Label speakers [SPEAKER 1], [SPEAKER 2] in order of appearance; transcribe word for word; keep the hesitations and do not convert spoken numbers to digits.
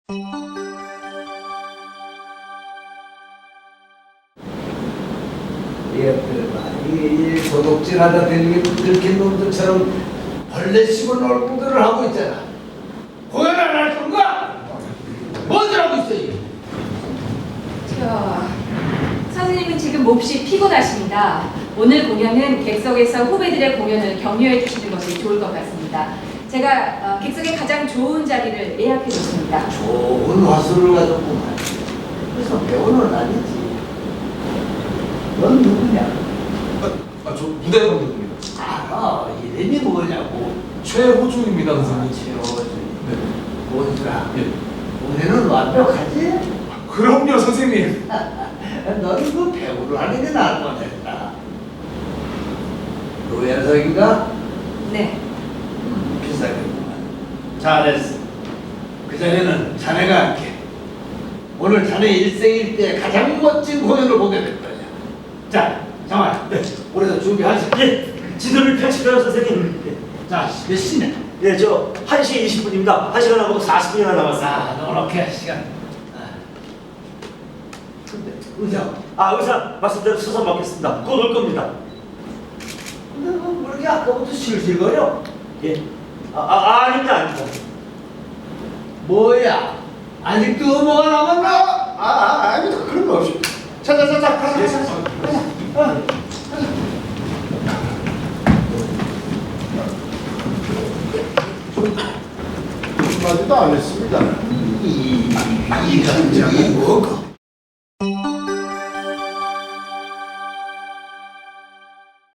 [SPEAKER 1] 이 도둑질하다 들킨 놈들처럼 벌레 씹은 얼굴들을 하고 있잖아. 공연 안 할 건가? 뭔들 하고 있어 이게?
[SPEAKER 2] 저 선생님은 지금 몹시 피곤하십니다. 오늘 공연은 객석에서 후배들의 공연을 격려해 주시는 것이 좋을 것 같습니다. 제가 어, 객석에 가장 좋은 자리를 예약해 줬습니다.
[SPEAKER 1] 좋은 화술을 가졌구만. 그래서 배우는 아니지. 넌 누구냐?
[SPEAKER 3] 아, 아, 저 무대 감독입니다.
[SPEAKER 1] 알아. 이름이 뭐냐고.
[SPEAKER 3] 최호중입니다, 선생님.
[SPEAKER 1] 최호준.
[SPEAKER 3] 네.
[SPEAKER 1] 뭐더라?
[SPEAKER 3] 예.
[SPEAKER 1] 우리는 완벽하지?
[SPEAKER 3] 그럼요, 선생님.
[SPEAKER 1] 너는 그 배우를 하는 게 나을 뻔했다. 노현석인가?
[SPEAKER 2] 네.
[SPEAKER 1] 음, 비싸겠구만. 잘했어. 그 자리는 자네가 할게. 오늘 자네 일생일대 가장 멋진 공연을 보게 될 거야. 자, 장아, 네. 우리도 준비하지.
[SPEAKER 4] 예, 지도를 펼치세요, 선생님.
[SPEAKER 1] 자, 몇 시냐?
[SPEAKER 4] 예, 저 한 시 이십 분입니다. 한 시간 하고 사십 분이나 남았어요.
[SPEAKER 1] 아, 넉넉해 시간. 아. 근데 의자.
[SPEAKER 4] 아, 의사 말씀대로 서서 먹겠습니다. 곧 올 겁니다.
[SPEAKER 1] 근데 뭐 이렇게 아까부터 실실거려?
[SPEAKER 4] 예. 아, 아, 아닙니다, 아닙니다.
[SPEAKER 1] 뭐야? 아직도 뭐가 남았나?
[SPEAKER 5] 아, 아, 아닙니다. 그런 거 없이. 자, 자, 자, 자, 가자,
[SPEAKER 4] 예.
[SPEAKER 5] 가자, 가자.
[SPEAKER 1] 어.
[SPEAKER 5] 한마디도 안 했습니다.
[SPEAKER 1] 이, 이 감정이 뭐고?